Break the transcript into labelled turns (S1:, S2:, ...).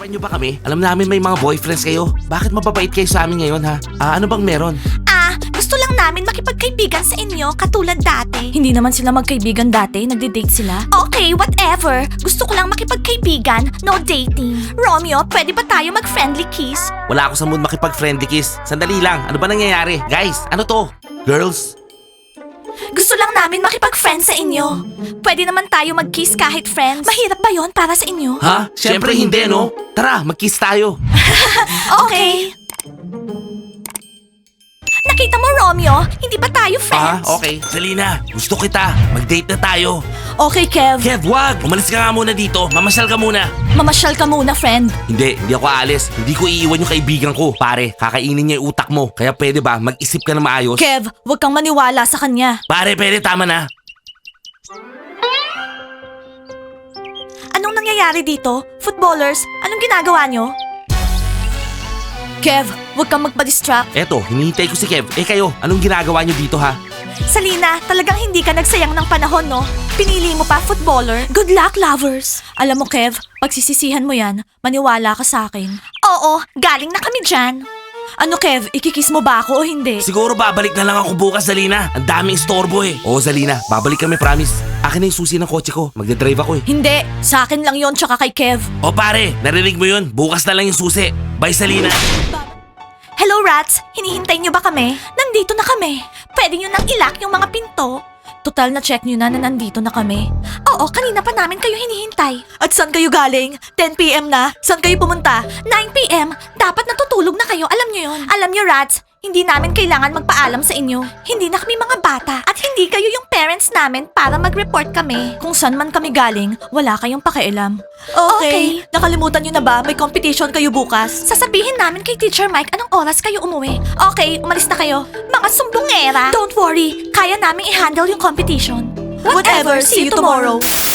S1: Pinapakinggan nyo ba kami? Alam namin may mga boyfriends kayo. Bakit mababait kayo sa amin ngayon ha? Ano bang meron?
S2: Gusto lang namin makipagkaibigan sa inyo katulad dati. Hindi naman sila magkaibigan dati, nagde-date sila. Okay, whatever. Gusto ko lang makipagkaibigan, no dating. Romeo, pwede ba tayo mag-friendly kiss?
S1: Wala ako sa mood makipag-friendly kiss. Sandali lang, ano ba nangyayari? Guys, ano to? Girls?
S2: Gusto lang namin makipag-friends sa inyo. Pwede naman tayo mag-kiss kahit friends. Mahirap ba yon para sa inyo?
S1: Ha? Siyempre hindi no? Tara, mag-kiss tayo.
S2: Okay. Nakita mo, Romeo? Hindi ba tayo friends?
S1: Okay. Selena, gusto kita. Mag-date na tayo.
S2: Okay, Kev.
S1: Kev, wag! Umalis ka nga muna dito. Mamasyal ka muna.
S2: Mamasyal ka muna, friend.
S1: Hindi ako aalis. Hindi ko iiwan yung kaibigan ko. Pare, kakainin niya yung utak mo. Kaya pwede ba mag-isip ka na maayos?
S2: Kev, huwag kang maniwala sa kanya.
S1: Pare, pwede, tama na.
S2: Anong nangyayari dito? Footballers, anong ginagawa nyo? Kev, huwag kang magpa-distract.
S1: Eto, hinihintay ko si Kev. Kayo, anong ginagawa niyo dito ha?
S2: Salina, talagang hindi ka nagsayang ng panahon, no? Pinili mo pa footballer. Good luck, lovers. Alam mo, Kev, pagsisisihan mo yan, maniwala ka sa akin. Oo, galing na kami dyan. Ano, Kev, ikikiss mo ba ako o hindi?
S1: Siguro babalik na lang ako bukas, Zalina. Ang daming istorbo eh. Oo, Zalina, babalik kami, promise. Akin na yung susi ng kotse ko. Magdadrive ako eh.
S2: Hindi, sa akin lang yon tsaka kay Kev.
S1: O pare, narinig mo yun? Bukas na lang yung susi. Bye, Zalina.
S2: Hello, rats! Hinihintay niyo ba kami? Nandito na kami. Pwede niyo nang ilock yung mga pinto. Total na check niyo na nandito na kami. Oo, kanina pa namin kayo hinihintay. At saan kayo galing? 10 p.m. na? Saan kayo pumunta? 9 p.m. Dapat natutulog na kayo, alam niyo yon. Alam niyo, rats, hindi namin kailangan magpaalam sa inyo. Hindi na kami mga bata at hindi kayo yung parents namin para mag-report kami. Kung saan man kami galing, wala kayong pakialam. Okay. Nakalimutan niyo na ba? May competition kayo bukas. Sasabihin namin kay Teacher Mike anong oras kayo umuwi. Okay, umalis na kayo. Mga sumbongera. Don't worry, kaya namin i-handle yung competition. Whatever, see you tomorrow.